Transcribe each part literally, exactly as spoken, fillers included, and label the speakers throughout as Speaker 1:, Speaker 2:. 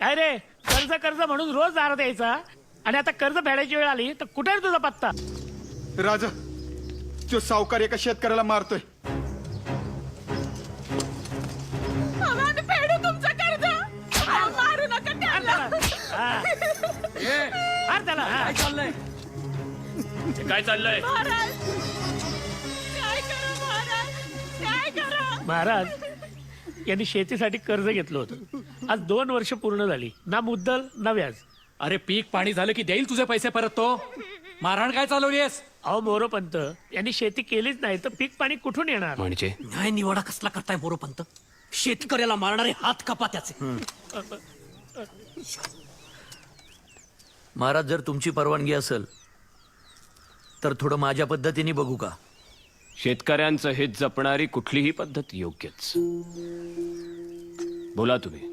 Speaker 1: काय रे, कर्ज कर्ज म्हणून रोज दारात यायचा आणि आता कर्ज फेडायची वेळ आली तर कुठे रे तुझा पत्ता?
Speaker 2: राजा, तो सावकार एका शेतकऱ्याला मारतोय.
Speaker 3: फेडू तुमचं कर्ज. मारू नका त्याला.
Speaker 1: मार त्याला.
Speaker 4: काय चाललंय? काय चाललंय?
Speaker 3: महाराज काय करा महाराज, काय करा.
Speaker 1: महाराज यांनी शेतीसाठी कर्ज घेतलं होतं. आज दोन वर्ष पूर्ण झाली, ना मुद्दल ना व्याज.
Speaker 4: अरे पीक पाणी झालं की देईल तुझे पैसे परत तो. मारहाण काय चालवलीस?
Speaker 1: अहो मोरोपंत, यांनी शेती केलीच नाही तर पीक पाणी कुठून येणार?
Speaker 4: म्हणजे
Speaker 5: न्याय निवाडा कसला करताय मोरोपंत? शेतकऱ्याला मारणारे हात कापा त्याचे.
Speaker 6: महाराज, जर तुमची परवानगी असेल तर थोडं माझ्या पद्धतीने बघू का?
Speaker 7: शेतकऱ्यांचं हित जपणारी कुठलीही पद्धत योग्यच. बोला तुम्ही.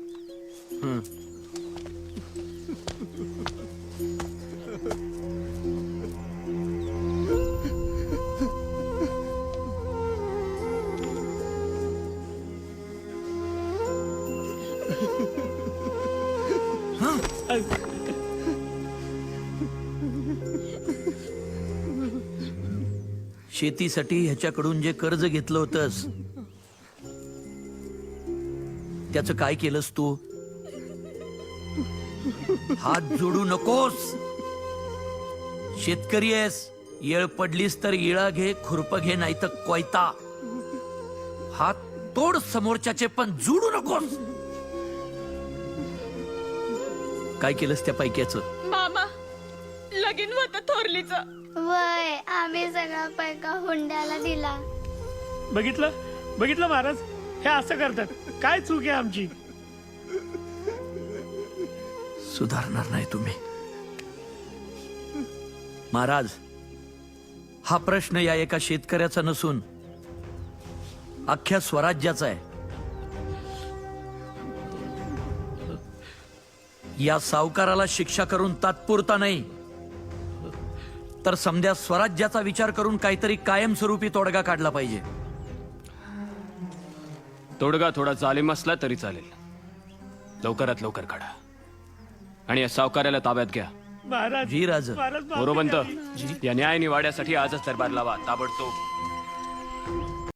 Speaker 6: शेतीसाठी ह्याच्याकडून जे कर्ज घेतलं होतंस त्याचं काय केलंस तू? हात जोडू नकोस. शेतकरी आहेस, येळ पडलीस तर इळा घे, खुरप घे, नाही तर कोयता. हात तोड समोरच्याचे, पण जोडू नकोस. काय केलंस त्या पैक्याचं?
Speaker 3: मामा लगीन होत थोरलीचं.
Speaker 8: वय आम्ही सगळा पैका हुंड्याला दिला.
Speaker 1: बघितलं बघितलं महाराज, हे असं करतात. काय चूक आहे आमची?
Speaker 6: सुधारणार नाही तुम्ही. महाराज, हा प्रश्न या एका शेतकऱ्याचा नसून अख्ख्या स्वराज्याचा आहे. या सावकाराला शिक्षा करून तात्पुरता नाही तर समध्या स्वराज्याचा विचार करून काहीतरी कायमस्वरूपी तोडगा काढला पाहिजे.
Speaker 7: तोडगा थोडा जालिम असला तरी चालेल. लवकरात लवकर काढा आणि या सावकाराला ताब्यात घ्या.
Speaker 1: महाराज
Speaker 6: जी राज.
Speaker 1: महाराज माफी
Speaker 7: मोरोपंत,
Speaker 1: द्यावी.
Speaker 7: या न्याय निवाड्यासाठी आजच दरबार लावा ताबडतोब.